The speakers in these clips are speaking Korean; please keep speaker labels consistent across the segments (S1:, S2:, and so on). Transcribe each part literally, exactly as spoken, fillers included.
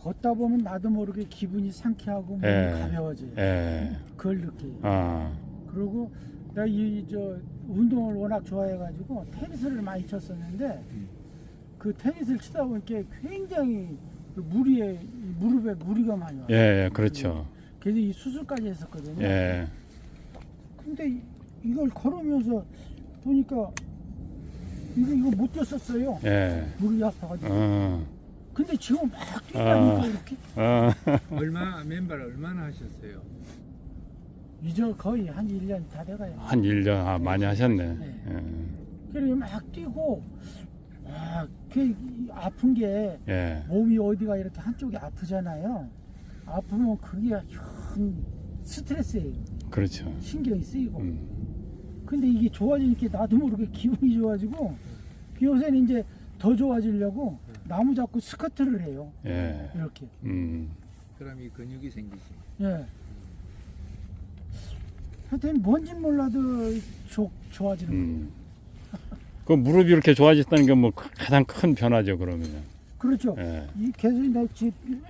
S1: 걷다 보면 나도 모르게 기분이 상쾌하고 몸이
S2: 예.
S1: 가벼워져요.
S2: 예.
S1: 그걸 느껴요.
S2: 아.
S1: 그리고 내가 이 저 운동을 워낙 좋아해가지고 테니스를 많이 쳤었는데 그 테니스를 치다 보니까 굉장히 그 무리에 이 무릎에 무리가 많이 와요.
S2: 예, 예, 그렇죠.
S1: 그래서 이 수술까지 했었거든요.
S2: 예.
S1: 근데 이- 이걸 걸으면서 보니까 이거 이거 못 뛰었었어요.
S2: 예.
S1: 무릎이 아파가지고.
S2: 어.
S1: 근데 지금 막 뛰다니까
S2: 아.
S1: 이렇게
S2: 어.
S3: 얼마 맨발 얼마나 하셨어요?
S1: 이제 거의 한 일 년 다 돼가요.
S2: 한 일 년 아, 많이 하셨네.
S1: 네.
S2: 예.
S1: 그리고 막 뛰고 아, 그 아픈 게
S2: 예.
S1: 몸이 어디가 이렇게 한쪽이 아프잖아요. 아프면 그게 큰 스트레스예요.
S2: 그렇죠.
S1: 신경이 쓰이고.
S2: 음.
S1: 근데 이게 좋아지니까 나도 모르게 기분이 좋아지고 요새는 이제 더 좋아지려고 나무 잡고 스쿼트를 해요.
S2: 예.
S1: 이렇게.
S2: 음.
S3: 그럼 이 근육이 생기지.
S1: 예. 하여튼 뭔지 몰라도 좋, 좋아지는 거예요.
S2: 음. 그 무릎이 이렇게 좋아졌다는 게 뭐 가장 큰 변화죠, 그러면.
S1: 그렇죠.
S2: 예.
S1: 이 계속 내 집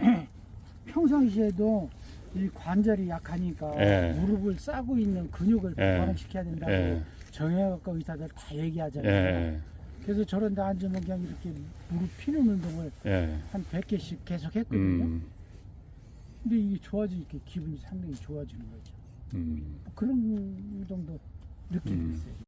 S1: 평상시에도 이 관절이 약하니까
S2: 예.
S1: 무릎을 싸고 있는 근육을
S2: 예.
S1: 보완시켜야 된다고
S2: 예.
S1: 정형외과 의사들 다 얘기하잖아요.
S2: 예.
S1: 그래서 저런 데 앉으면 그냥 이렇게 무릎 피는 운동을
S2: 예.
S1: 한 백 개씩 계속 했거든요.
S2: 음.
S1: 근데 이게 좋아지니까 기분이 상당히 좋아지는 거죠.
S2: 음.
S1: 그런 정도 느낌이
S2: 음.
S1: 있어요.